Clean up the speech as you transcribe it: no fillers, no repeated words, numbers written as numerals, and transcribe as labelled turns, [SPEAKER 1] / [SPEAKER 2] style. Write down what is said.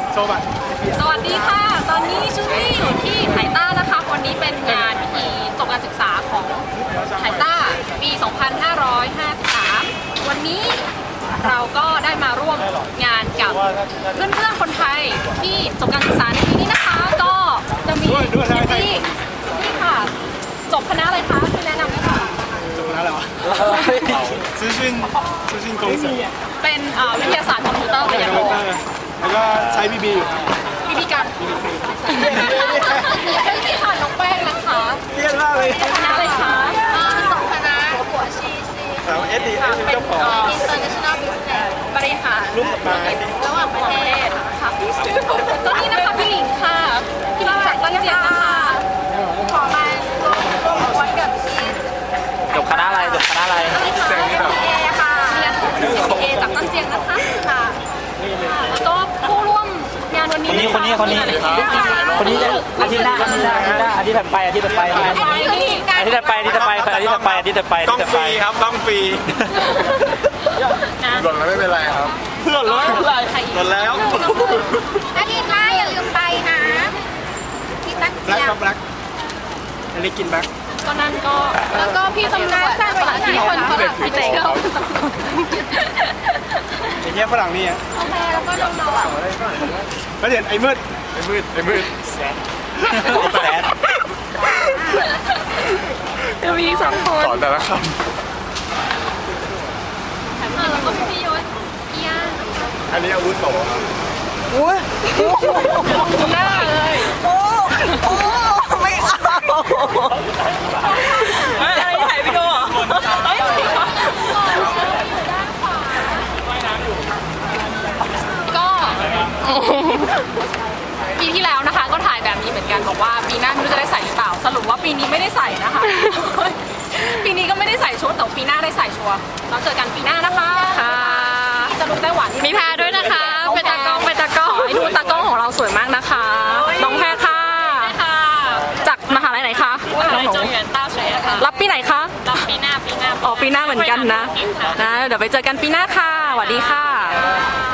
[SPEAKER 1] โชว์บัตร
[SPEAKER 2] สวัสดีค่ะตอนนี้ชุนี่อยู่ที่ไทต้านะคะวันนี้เป็นงานพิธีจบการศึกษาของไทต้าปี 2553 วันนี้เราก็ได้มาร่วมงานกับเพื่อนๆคนไทยที่จบการศึกษาในปีนี้นะคะก็จะมีพี่นี่ค่ะจบคณะอะไรคะที่แนะนำได้ค่ะ
[SPEAKER 1] จบคณะอะไรวะ资讯工程
[SPEAKER 2] เป็นวิทยาศาสตร์คอมพิวเตอร์ปริญญาโท
[SPEAKER 1] แล้วก็ใช้บีบีอยู่
[SPEAKER 2] บีบีกันพี่ค่ะน้องแป้งนะคะ
[SPEAKER 1] เครียดมากเลย
[SPEAKER 2] คณะอะไรคะ
[SPEAKER 3] สองคณะหัวชี
[SPEAKER 1] เอสดีเจ้าของ
[SPEAKER 3] International Business
[SPEAKER 2] บริหาร
[SPEAKER 1] รูปมา
[SPEAKER 3] ระหว่างประเทศ
[SPEAKER 2] ค่ะก็นี่นะคะพี่หลิงค่ะพี่หลิงจากตั้งเจียงนะคะ
[SPEAKER 3] ขอมาร่วมไว้กับที่
[SPEAKER 4] จบคณะอะไรจบคณะอะไร
[SPEAKER 3] เอค่ะ
[SPEAKER 2] เรียนเอจากตั้งเจียงนะคะค่ะแล้วก็ผู้ร่วมงานวันนี้
[SPEAKER 4] คนนี้อาทิตย์ถัดไปอาทิตย์ถัดไป
[SPEAKER 1] ต้องฟรีครับต้องฟรีหล่นแล้วไม่เป็นไรครับหล่นแล้วหล่นแล้ว
[SPEAKER 3] อาทิตย์หน้าอย่าลืมไปนะที่ตั้งเจียง
[SPEAKER 1] แบล็คอันนี้กินแบล็ค
[SPEAKER 2] ก็นั่นก็
[SPEAKER 3] แล้วก็พี่ตำนานสร้างไปที่คนฝรั่งไปเจอ
[SPEAKER 1] ไอ้เนี้ยฝรั่งนี่อ่ะ
[SPEAKER 3] แล้วก็น้อง
[SPEAKER 1] แล้วเดี๋ยวไอ้มืดแซด
[SPEAKER 2] จะมีสองคน
[SPEAKER 1] สอนแต่ละคำ
[SPEAKER 2] แล้วก็พี่ยศพี่ย่า
[SPEAKER 1] อันนี้อาวุโสครับ
[SPEAKER 2] หน้าเลย
[SPEAKER 3] ไม่เอา
[SPEAKER 2] อะไรถ่ายวิดีโอก็ปีที่แล้วนะคะก็ถ่ายแบบนี้เหมือนกันบอกว่าปีหน้าไม่รู้จะได้ใส่หรือเปล่าสรุปว่าปีนี้ไม่ได้ใส่นะคะปีนี้ก็ไม่ได้ใส่ชุดแต่ปีหน้าได้ใส่ชัวร์เราเจอกันปีหน้านะคะค่ะจะลุกได้หวานมีแพรด้วยนะคะเป็นตากล้องให้ดูตากล้องของเราสวยมากนะคะน้องแพรค่ะจากมหาลัยไหนคะจงเหวียนต้าเฉยค่ะรับปีไหนคะรับปีหน้าอ๋อปีหน้าเหมือนกันนะเดี๋ยวไปเจอกันปีหน้าค่ะสวัสดีค่ะ